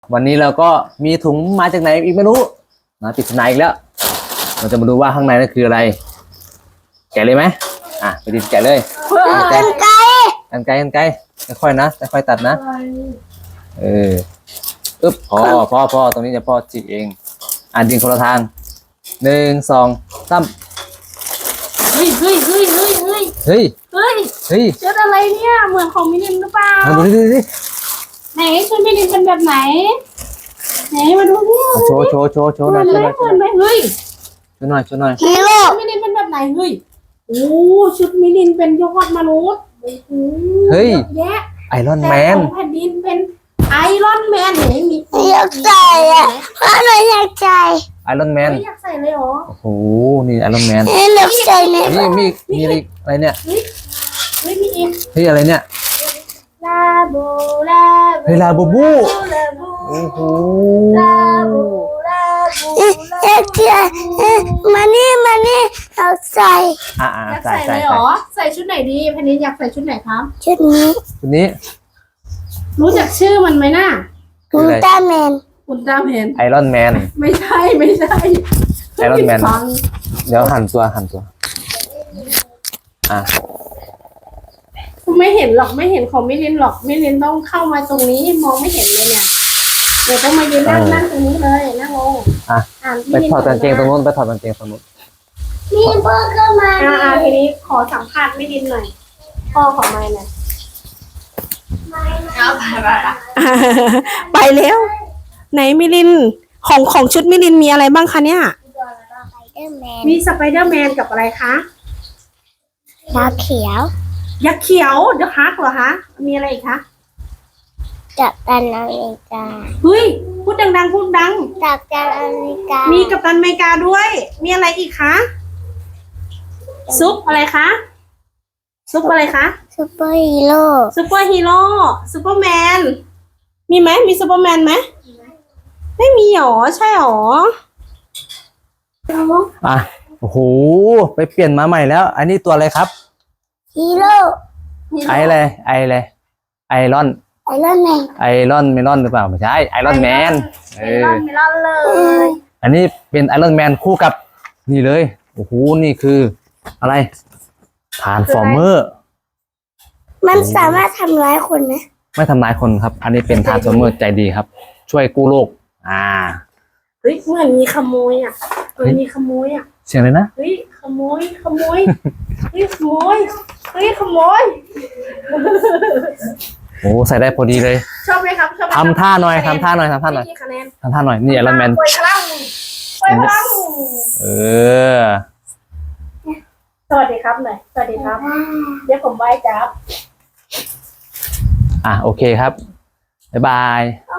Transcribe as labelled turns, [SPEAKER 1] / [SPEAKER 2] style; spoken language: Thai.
[SPEAKER 1] วันนี้เราก็มีถุงมาจากไหนอีกไม่รู้นะปริศนาอีกแล้วเราจะมาดูว่าข้างในนั่นคืออะไรแกะเลยไหมไปดิแกะเลยกันไกค่อยๆนะค่อยๆตัดนะอึ๊บพอตรงนี้จะพ่อจิกเองดินคนละทาง1 2 3
[SPEAKER 2] เฮ้ยชุดอะไรเนี่ยเหมือนของมิลินหรือเปล่า
[SPEAKER 1] ดูดิ
[SPEAKER 2] ไหนชุดมิลินเป็นแบบไหนไหนมาดูดิ
[SPEAKER 1] โชว์หน่อย
[SPEAKER 2] เหมือนไหมเฮ้ย
[SPEAKER 1] ช่วยหน่อย
[SPEAKER 2] ชุดมิลินเป็นแบบไหนเฮ้ยโอ้ชุดมิลินเป็นยอดมนุษย์
[SPEAKER 1] เฮ้ย
[SPEAKER 2] แยะ
[SPEAKER 1] ไอรอนแมน
[SPEAKER 2] แผ่นดินเป็นไอรอนแมนไหนมี
[SPEAKER 3] อยากใส่พ่อหนูอยากใส่
[SPEAKER 1] ไอรอนแมน
[SPEAKER 2] อยากใส่เลยเหรอ
[SPEAKER 1] โอ้โหนี่ไอรอนแมน
[SPEAKER 3] อยากใส่เนี่ย
[SPEAKER 1] มีอะไรเนี่ย
[SPEAKER 2] มีอิน
[SPEAKER 1] อะไรเนี่ย
[SPEAKER 2] ลาบู
[SPEAKER 1] ลาบูโอ้โห
[SPEAKER 2] ลาบู
[SPEAKER 3] อยากใส่มานี่อยากใส่
[SPEAKER 2] อยากใส่เลยเหรอใส่ชุดไหนดีแผ่นดินอยากใส่ชุดไหนครับ
[SPEAKER 3] ชุดนี้
[SPEAKER 2] รู้จักชื่อมันไหมน่ะ
[SPEAKER 3] อุลตร้าแมน
[SPEAKER 1] ไอรอนแมน
[SPEAKER 2] ไม่ใช่
[SPEAKER 1] ไอรอนแมนเดี๋ยวหันตัว
[SPEAKER 2] ไม่เห็นหรอกไม่เห็นของมิลินหรอกมิลินต้องเข้ามาตรงนี้มองไม่เห็นเลยเนี่ยเดี๋ยวต้องมายืนนั่งตรงนี้เลยนั่งลง
[SPEAKER 1] ไปถอดกางเกงตรงนู้น
[SPEAKER 3] มีพ่อเข้ามา
[SPEAKER 2] ทีนี้ขอสัมภาษณ์มิลินหน่อยพ่อของไม้หน่อยไปแล้วไหนมิลินของชุดมิลินมีอะไรบ้างคะเนี่ยมีสไปเดอร์แมนกับอะไรคะ
[SPEAKER 3] ยักษ์เขียว
[SPEAKER 2] เดอะฮักเหรอคะมีอะไรอีกคะ
[SPEAKER 3] กัปตันอเมริกา
[SPEAKER 2] เฮ้ยพูดดังพูดดัง
[SPEAKER 3] กัปตันอเมริกา
[SPEAKER 2] มีกัปตันอเมริกาด้วยมีอะไรอีกคะซุปอะไรคะซุปเปอร์ฮีโร่ซูเปอร์แมนมีไหมมีซูเปอร์แมนไหมไม่มีหรอใช่หรอ
[SPEAKER 1] โอ้โหไปเปลี่ยนมาใหม่แล้วอันนี้ตัวอะไรครับ
[SPEAKER 3] ฮีโร่
[SPEAKER 1] ไอรอน
[SPEAKER 3] ไอรอน
[SPEAKER 1] เมลอนหรือเปล่าไม่ใช่ไอรอนแมน
[SPEAKER 2] เมลอนเลย
[SPEAKER 1] อันนี้เป็นไอรอนแมนคู่กับนี่เลยโอ้โหนี่คืออะไรทรานส์ฟอร์เมอร์
[SPEAKER 3] มันสามารถทำร้ายคนไหม
[SPEAKER 1] ไม่ทำร้ายคนครับอันนี้เป็นทรานส์ฟอร์เมอร์ใจดีครับช่วยกู้โลก
[SPEAKER 2] เฮ้ยเหมือนมีขโมย
[SPEAKER 1] เสียงเลยนะ
[SPEAKER 2] เฮ้ยขโมย
[SPEAKER 1] โอ้ใส่ได้พอดีเลย
[SPEAKER 2] ชอบไหมครับ
[SPEAKER 1] ทำท่าหน่อยนี่ไอรอนแมน
[SPEAKER 2] ปล่อยพลังสวัสดีครับหน่อยสวัสดีครับเดี๋ยวผมไหว้จับ
[SPEAKER 1] โอเคครับบ๊ายบาย